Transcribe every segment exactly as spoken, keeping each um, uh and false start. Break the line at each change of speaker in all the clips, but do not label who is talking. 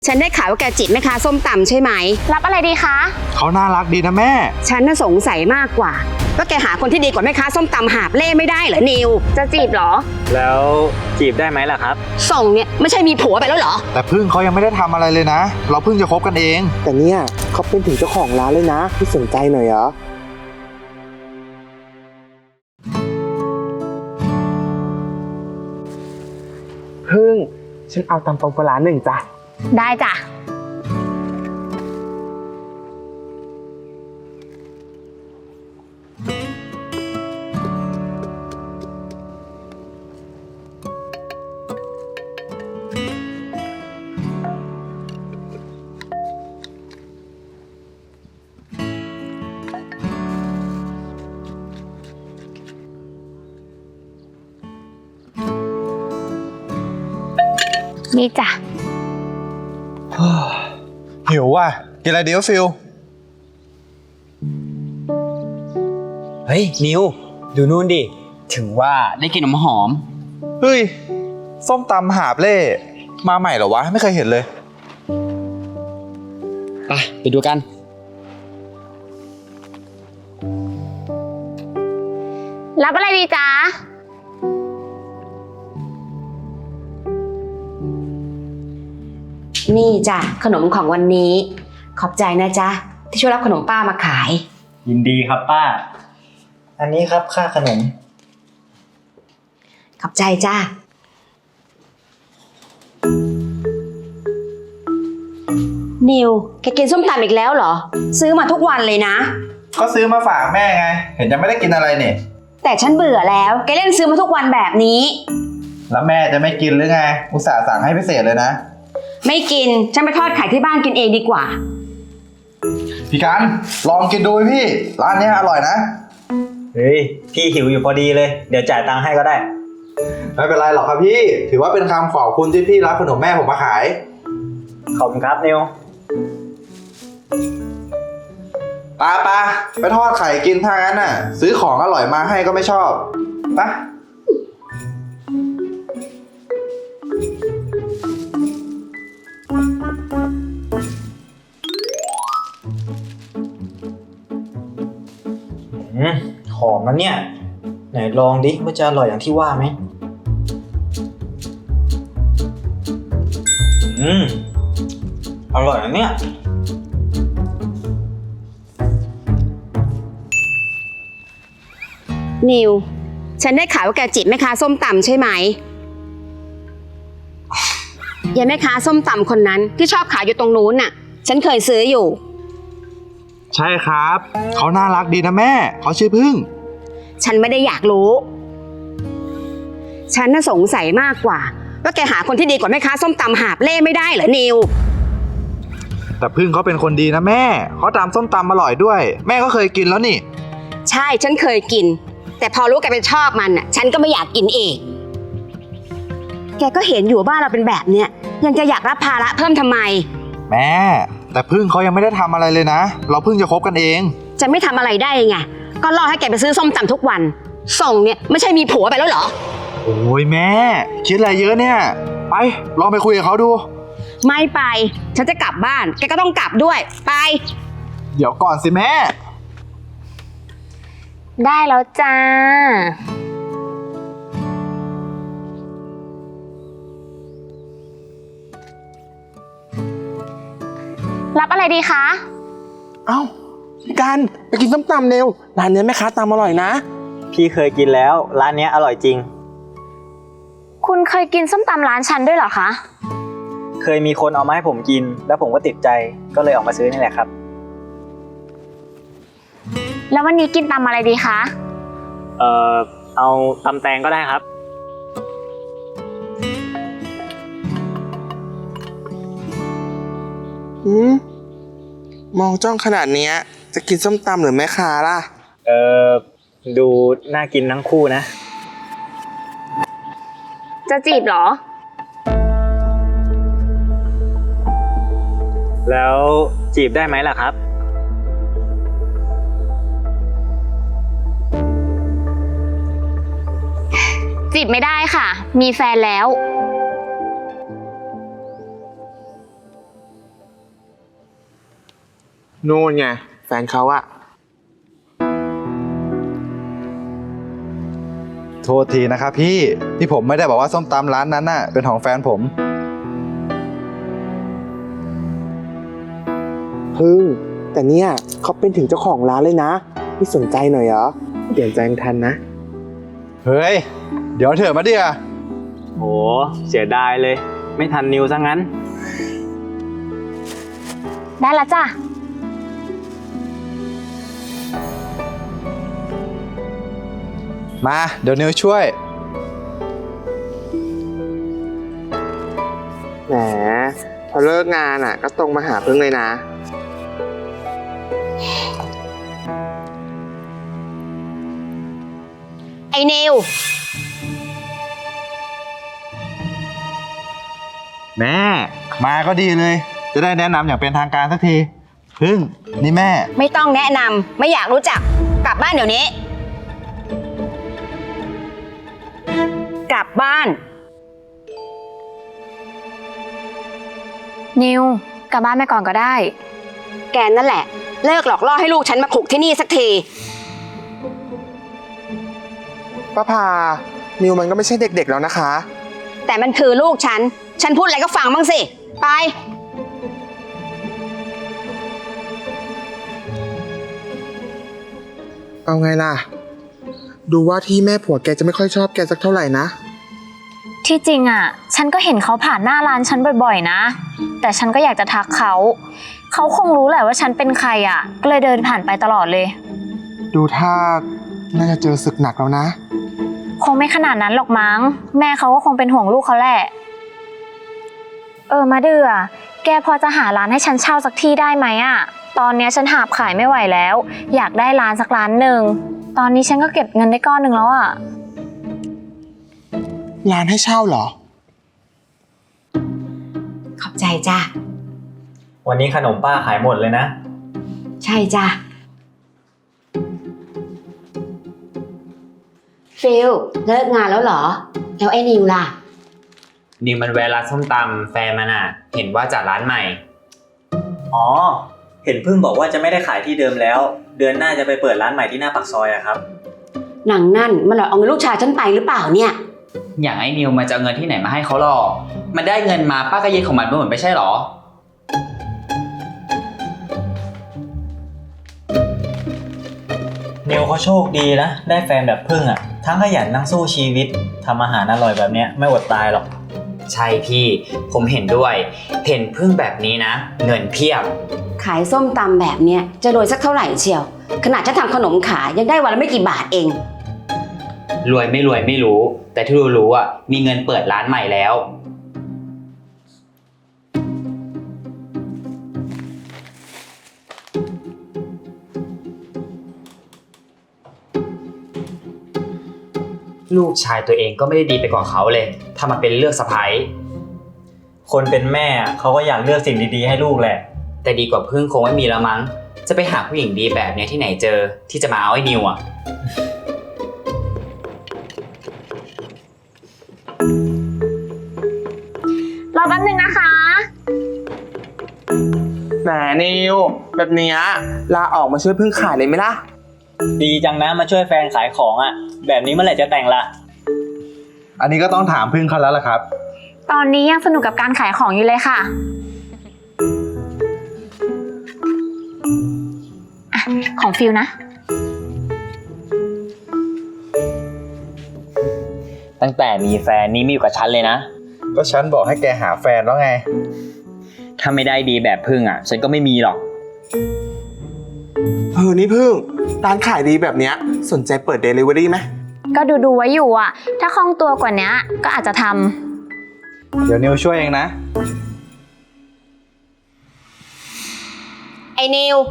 ฉันได้ข่าวว่าแกจีบแม่ค้าส้มตำใช่ไหม
รับอะไรดีคะ
เขาน่ารักดีนะแม่
ฉันน่ะสงสัยมากกว่าว่าแกหาคนที่ดีกว่าแม่ค้าส้มตำหาบเล่ไม่ได้เหรอนิว
จะจีบเหรอ
แล้วจีบได้ไหมล่ะครับ
ส่งเนี่ยไม่ใช่มีผัวไปแล้วเหรอ
แต่พึ่งเขายังไม่ได้ทำอะไรเลยนะเราเพิ่งจะคบกันเอง
แต่เนี่ยเขาเป็นถึงเจ้าของร้านเลยนะพี่สนใจหน่อยเหรอพึ่งฉันเอาตำปูปลาหนึ่งจ้ะ
ได้จ้ะนี่จ้ะ
หิวว่ะกินอะไรดีวะฟิล
เฮ้ยนิวดูนู่นดิถึงว่าได้กลิ่นน้ำหอม
เฮ้ยส้มตำหาบเล่มาใหม่เหรอวะไม่เคยเห็นเลย
ไปไปดูกัน
รับอะไรดีจ๊ะ
นี่จ้ะขนมของวันนี้ขอบใจนะจ๊ะที่ช่วยรับขนมป้ามาขาย
ยินดีครับป้าอันนี้ครับค่าขนม
ขอบใจจ้ะนิวแกกินส้มตำอีกแล้วเหรอซื้อมาทุกวันเลยนะ
ก็ซื้อมาฝากแม่ไงเห็นยังไม่ได้กินอะไรเนี่ย
แต่ฉันเบื่อแล้วแกเล่นซื้อมาทุกวันแบบนี้
แล้วแม่จะไม่กินหรือไงอุตส่าห์สั่งให้พิเศษเลยนะ
ไม่กินฉันไปทอดไข่ที่บ้านกินเองดีกว่า
พี่กันลองกินดูพี่ร้านนี้อร่อยนะ
เฮ้ยพี่หิวอยู่พอดีเลยเดี๋ยวจ่ายตังค์ให้ก็ได้
ไม่เป็นไรหรอกครับพี่ถือว่าเป็นคำขอบคุณที่พี่รับขนมแม่ผมมาขาย
ขอบคุณครับนิว
ปาปาไปทอดไข่กินทางนั้นน่ะซื้อของอร่อยมาให้ก็ไม่ชอบปะ
อืมหอมนะเนี่ยไหนลองดิว่าจะอร่อยอย่างที่ว่าไหมอืมอร่อยนะเนี่ย
นิวฉันได้ข่าวว่าแกจีบแม่ค้าส้มตำใช่ไหมยายแม่ค้าส้มตำคนนั้นที่ชอบขายอยู่ตรงนู้นน่ะฉันเคยซื้ออยู่
ใช่ครับเขาน่ารักดีนะแม่เขาชื่อพึ่ง
ฉันไม่ได้อยากรู้ฉันน่ะสงสัยมากกว่าว่าแกหาคนที่ดีกว่าแม่ค้าส้มตำหาบเล่ไม่ได้เหรอนิว
แต่พึ่งเขาเป็นคนดีนะแม่เขาตำส้มตำอร่อยด้วยแม่ก็เคยกินแล้วนี่
ใช่ฉันเคยกินแต่พอรู้แกเป็นชอบมันน่ะฉันก็ไม่อยากกินเองแกก็เห็นอยู่บ้านเราเป็นแบบเนี้ยยังจะอยากรับภาระเพิ่มทำไม
แม่แต่พึ่งเขายังไม่ได้ทำอะไรเลยนะเราเพิ่งจะคบกันเอง
จะไม่ทำอะไรได้ไงก็รอให้แกไปซื้อส้มตำทุกวันส่งเนี่ยไม่ใช่มีผัวไปแล้วเหรอ
โอ้ยแม่คิดอะไรเยอะเนี่ยไปลองไปคุยกับเขาดู
ไม่ไปฉันจะกลับบ้านแกก็ต้องกลับด้วยไป
เดี๋ยวก่อนสิแม่
ได้แล้วจ้ารับอะไรดีคะ
เอ้าพี่การไปกินส้มตำเร็วร้านนี้แม่ค้าตำอร่อยนะ
พี่เคยกินแล้วร้านนี้อร่อยจริง
คุณเคยกินส้มตำร้านฉันด้วยเหรอคะ
เคยมีคนเอามาให้ผมกินแล้วผมก็ติดใจก็เลยออกมาซื้อนี่แหละครับ
แล้ววันนี้กินตำอะไรดีคะ
เอ่อเอาตำแตงก็ได้ครับ
อืมมองจ้องขนาดนี้จะกินส้มตำหรือแม่ค้าล่ะ
เอ่อดูน่ากินทั้งคู่นะ
จะจีบเหรอ
แล้วจีบได้ไหมล่ะครับ
จีบไม่ได้ค่ะมีแฟนแล้ว
นู่นไงแฟนเขาอะ
โทษทีนะครับพี่ที่ผมไม่ได้บอกว่าส้มตำร้านนั้นน่ะเป็นของแฟนผม
พึ่ง แต่เนี่ยเขาเป็นถึงเจ้าของร้านเลยนะไม่สนใจหน่อยเหรอเปลี่ยนใจยังทันนะ
เฮ้ย เดี๋ยวเถอะมาเดีย
โหเสียดายเลย ไม่ทันนิวซะงั้น
ได้ละจ้ะ
มาเดี๋ยวนิวช่วย
แหมพอเลิกงานอ่ะ ก็ตรงมาหาพึ่งเลยนะ
ไอ้นิว
แม่มาก็ดีเลย จะได้แนะนำอย่างเป็นทางการสักที พึ่งนี่แม่
ไม่ต้องแนะนำไม่อยากรู้จักกลับบ้านเดี๋ยวนี้ กลับบ้าน
นิวกลับบ้านไปก่อนก็ได้
แกนั่นแหละ เลิกหลอกล่อให้ลูกฉันมาขลุกที่นี่สักที
ป้าพา นิวมันก็ไม่ใช่เด็กๆแล้วนะคะ
แต่มันคือลูกฉัน ฉันพูดอะไรก็ฟังบ้างสิ ไป
เอาไงล่ะ ดูว่าที่แม่ผัวแกจะไม่ค่อยชอบแกสักเท่าไหร่นะ
ที่จริงอ่ะ ฉันก็เห็นเขาผ่านหน้าร้านฉันบ่อยๆนะ แต่ฉันก็อยากจะทักเขา เขาคงรู้แหละว่าฉันเป็นใครอ่ะ ก็เลยเดินผ่านไปตลอดเลย
ดูท่าน่าจะเจอศึกหนักแล้วนะ
คงไม่ขนาดนั้นหรอกมั้ง แม่เขาก็คงเป็นห่วงลูกเขาแหละ เออมาเดือแกพอจะหาร้านให้ฉันเช่าสักที่ได้ไหมอ่ะ ตอนเนี้ยฉันหาบขายไม่ไหวแล้ว อยากได้ร้านสักร้านหนึ่ง ตอนนี้ฉันก็เก็บเงินได้ก้อนหนึ่งแล้วอ่ะ
ร้านให้เช่าเหรอ
ขอบใจจ้ะ
วันนี้ขนมป้าขายหมดเลยนะ
ใช่จ้ะ ฟิลเลิกงานแล้วเหรอ แล้วไอ้นิวล่ะ
นิวมันแวะร้านส้มตำแฟนมันอ่ะ เห็นว่าจัดร้านใหม่
อ๋อ เห็นพึ่งบอกว่าจะไม่ได้ขายที่เดิมแล้ว เดือนหน้าจะไปเปิดร้านใหม่ที่หน้าปากซอยอะครับ
หนังนั่นมันหลอกเอาเงินลูกชายฉันไปหรือเปล่าเนี่ย
อย่างไอ้นิวมันจะเอาเงินที่ไหนมาให้เขาหรอกมันได้เงินมาป้าก็ยึดของมันไปหมดไม่ใช่หรอ
นิวเขาโชคดีนะ ได้แฟนแบบพึ่งอะทั้งขยันทั้งสู้ชีวิตทำอาหารอร่อยแบบเนี้ยไม่อดตายหรอก
ใช่พี่ ผมเห็นด้วย เห็นพึ่งแบบนี้นะ เงินเพียบ
ขายส้มตำแบบเนี้ยจะรวยสักเท่าไหร่เชียว ขนาดฉันทำขนมขายยังได้วันละไม่กี่บาทเอง
รวยไม่รวยไม่รู้ แต่ที่รู้ๆอ่ะมีเงินเปิดร้านใหม่แล้ว ลูกชายตัวเองก็ไม่ได้ดีไปกว่าเขาเลยถ้ามาเป็นเลือกสะใภ้
คนเป็นแม่เขาก็อยากเลือกสิ่งดีๆให้ลูกแหละ
แต่ดีกว่าพึ่งคงไม่มีแล้วมั้ง จะไปหาผู้หญิงดีแบบเนี้ยที่ไหนเจอที่จะมาเอาไอ้นิวอ่ะ
รอแป๊บนึงนะคะ
แหมนิว แบบเนี้ยลาออกมาช่วยพึ่งขายเลยไหมล่ะ
ดีจังนะมาช่วยแฟนขายของอะแบบนี้เมื่อไหร่จะแต่งละ
อันนี้ก็ต้องถามพึ่งเขาแล้วล่ะครับ
ตอนนี้ยังสนุกกับการขายของอยู่เลยค่ะอ่ะ ของฟิลนะ
ตั้งแต่มีแฟนนี่มีอยู่กับฉันเลยนะ
ก็ฉันบอกให้แกหาแฟนแล้วไง
ถ้าไม่ได้ดีแบบพึ่งอ่ะ ฉันก็ไม่มีหรอก
เออนี่พึ่ง ร้านขายดีแบบเนี้ยสนใจเปิดเดลิเวอรี่ไหม
ก็ดูดูๆไว้อยู่อ่ะ ถ้าคล่องตัวกว่านี้ก็อาจจะทำ
เดี๋ยวนิวช่วยเองนะ
ไอ้นิว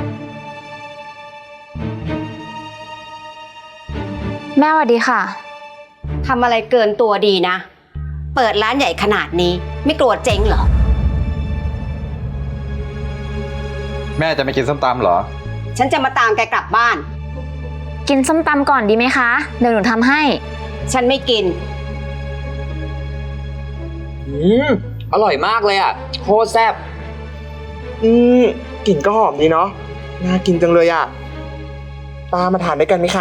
แม่สวัสดีค่ะ
ทำอะไรเกินตัวดีนะ เปิดร้านใหญ่ขนาดนี้ไม่กลัวเจ๊งเหรอ
แม่จะไม่กินส้มตำเหรอ
ฉันจะมาตามแกกลับบ้าน
กินส้มตำก่อนดีไหมคะ เดี๋ยวหนูทำให้
ฉันไม่กิน
อืม อร่อยมากเลยอ่ะ โคตรแซ่บ
อืมกลิ่นก็หอมดีเนาะ น่ากินจังเลยอะป้ามาทานด้วยกันไหมคะ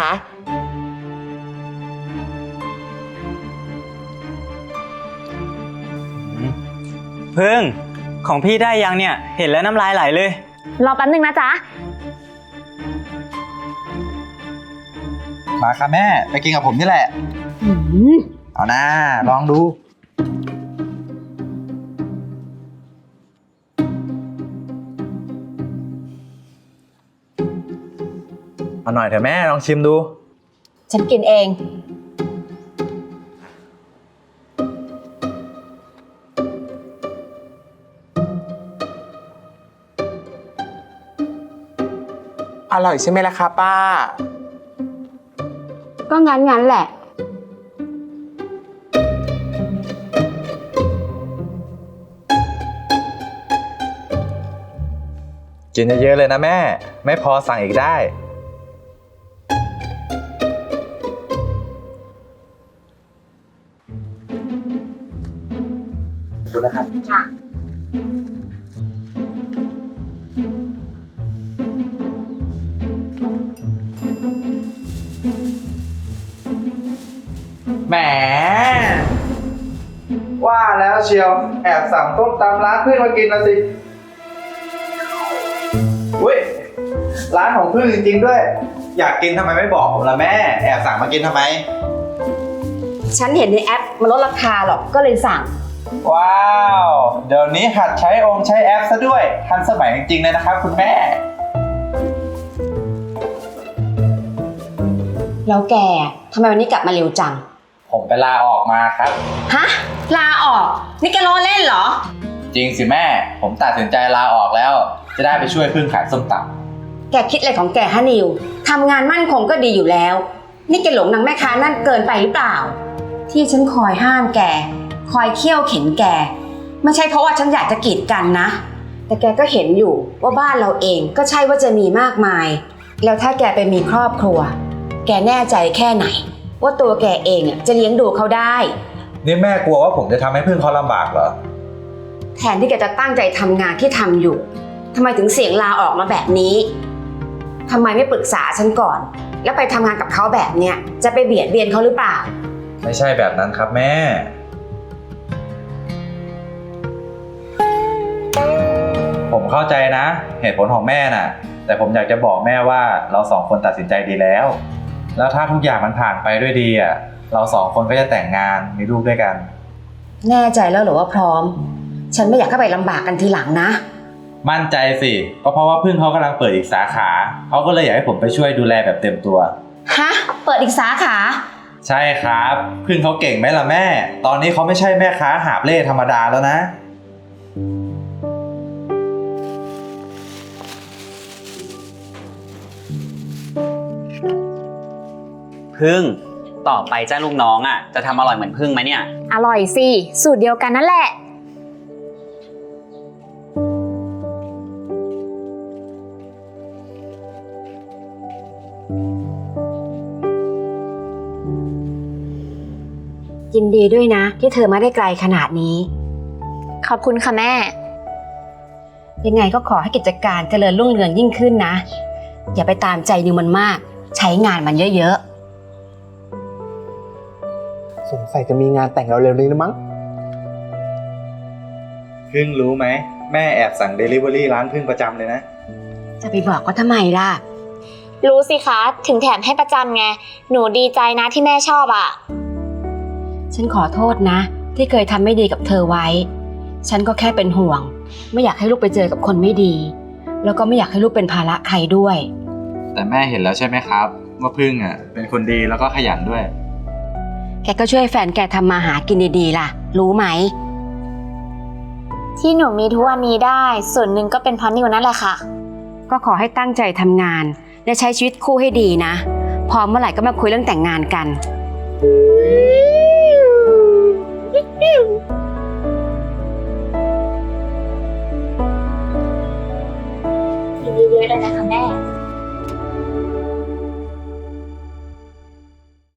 พึ่งของพี่ได้ยังเนี่ย เห็นแล้วน้ำลายไหลเลย
รอแป๊บนึงนะจ๊ะ
มาค่ะแม่ ไปกินกับผมนี่แหละ
หืม
เอานะลองดู เอาหน่อยเถอะแม่ลองชิมดู
ฉันกินเอง
อร่อยใช่ไหมล่ะคะป้า
ก็งั้นงั้นแหละ
กินเยอะๆเลยนะแม่ ไม่พอสั่งอีกได้ ดูนะครับ
ค่ะ
แหม ว่าแล้วเชียว แอบสั่งต้มตำร้านพึ่งมากินนะสิอุ้ยร้านของพึ่งจริงๆด้วย อยากกินทำไมไม่บอกผมล่ะแม่ แอบสั่งมากินทำไม
ฉันเห็นในแอปมันลดราคาหรอก ก็เลยสั่ง
ว้าว เดี๋ยวนี้หัดใช้องค์ใช้แอปซะด้วย ทันสมัยจริงๆเลยนะครับคุณแม่
แล้วแกทำไมวันนี้กลับมาเร็วจัง
ผมไปลาออกมาครับ
ฮะ ลาออก นี่แกล้อเล่นเหรอ
จริงสิแม่ ผมตัดสินใจลาออกแล้ว จะได้ไปช่วยพึ่งขายส้มตำ
แกคิดอะไรของแกฮะนิว ทำงานมั่นคงก็ดีอยู่แล้ว นี่แกหลงนางแม่ค้านั่นเกินไปหรือเปล่า ที่ฉันคอยห้ามแก คอยเคี่ยวเข็นแก ไม่ใช่เพราะว่าฉันอยากจะกีดกันนะ แต่แกก็เห็นอยู่ว่าบ้านเราเองก็ใช่ว่าจะมีมากมาย แล้วถ้าแกไปมีครอบครัว แกแน่ใจแค่ไหน ว่าตัวแกเองจะเลี้ยงดูเขาได้
นี่แม่กลัวว่าผมจะทำให้พึ่งเขาลำบากเหรอ
แทนที่แกจะตั้งใจทำงานที่ทำอยู่ทำไมถึงเสี่ยงลาออกมาแบบนี้ทำไมไม่ปรึกษาฉันก่อน แล้วไปทำงานกับเขาแบบเนี้ยจะไปเบียดเบียนเขาหรือเปล่า
ไม่ใช่แบบนั้นครับแม่ ผมเข้าใจนะ เหตุผลของแม่น่ะ แต่ผมอยากจะบอกแม่ว่าเราสองคนตัดสินใจดีแล้ว แล้วถ้าทุกอย่างมันผ่านไปด้วยดีอ่ะ เราสองคนก็จะแต่งงานมีลูกด้วยกัน
แน่ใจแล้วเหรอว่าพร้อม ฉันไม่อยากให้ไปลำบากกันทีหลังนะ
มั่นใจสิก็เพราะว่าพึ่งเขากำลังเปิดอีกสาขาเขาก็เลยอยากให้ผมไปช่วยดูแลแบบเต็มตัว
ฮะ เปิดอีกสาขา
ใช่ครับ พึ่งเขาเก่งไหมล่ะแม่ ตอนนี้เขาไม่ใช่แม่ค้าหาบเล่ธรรมดาแล้วนะ
พึ่ง ต่อไปเจ้าลูกน้องอ่ะ จะทำอร่อยเหมือนพึ่งไหมเนี่ย
อร่อยสิ สูตรเดียวกันนั่นแหละ
ยินดีด้วยนะ ที่เธอมาได้ไกลขนาดนี้
ขอบคุณค่ะแม่
ยังไงก็ขอให้กิจการเจริญรุ่งเรืองยิ่งขึ้นนะ อย่าไปตามใจนิวมันมาก ใช้งานมันเยอะ
สงสัยจะมีงานแต่งเราเร็วๆนี้นะมั้ง
พึ่งรู้ไหมแม่แอบสั่ง Delivery ร้านพึ่งประจำเลยนะ
ๆ จะไปบอกก็ทำไมล่ะ
รู้สิคะ ถึงแถมให้ประจำไง หนูดีใจนะที่แม่ชอบอ่ะ
ฉันขอโทษนะ ที่เคยทำไม่ดีกับเธอไว้ ฉันก็แค่เป็นห่วง ไม่อยากให้ลูกไปเจอกับคนไม่ดี แล้วก็ไม่อยากให้ลูกเป็นภาระใครด้วย
แต่แม่เห็นแล้วใช่ไหมครับว่าพึ่งอ่ะเป็นคนดีแล้วก็ขยันด้วย
แกก็ช่วยแฟนแกทำมาหากินดีๆล่ะ รู้ไหม
ที่หนูมีทุกวันนี้ได้ ส่วนหนึ่งก็เป็นเพราะนิวนั่นแหละค่ะ
ก็ขอให้ตั้งใจทำงาน และใช้ชีวิตคู่ให้ดีนะ พร้อมเมื่อไหร่ก็มาคุยเรื่องแต่งงานกัน
อ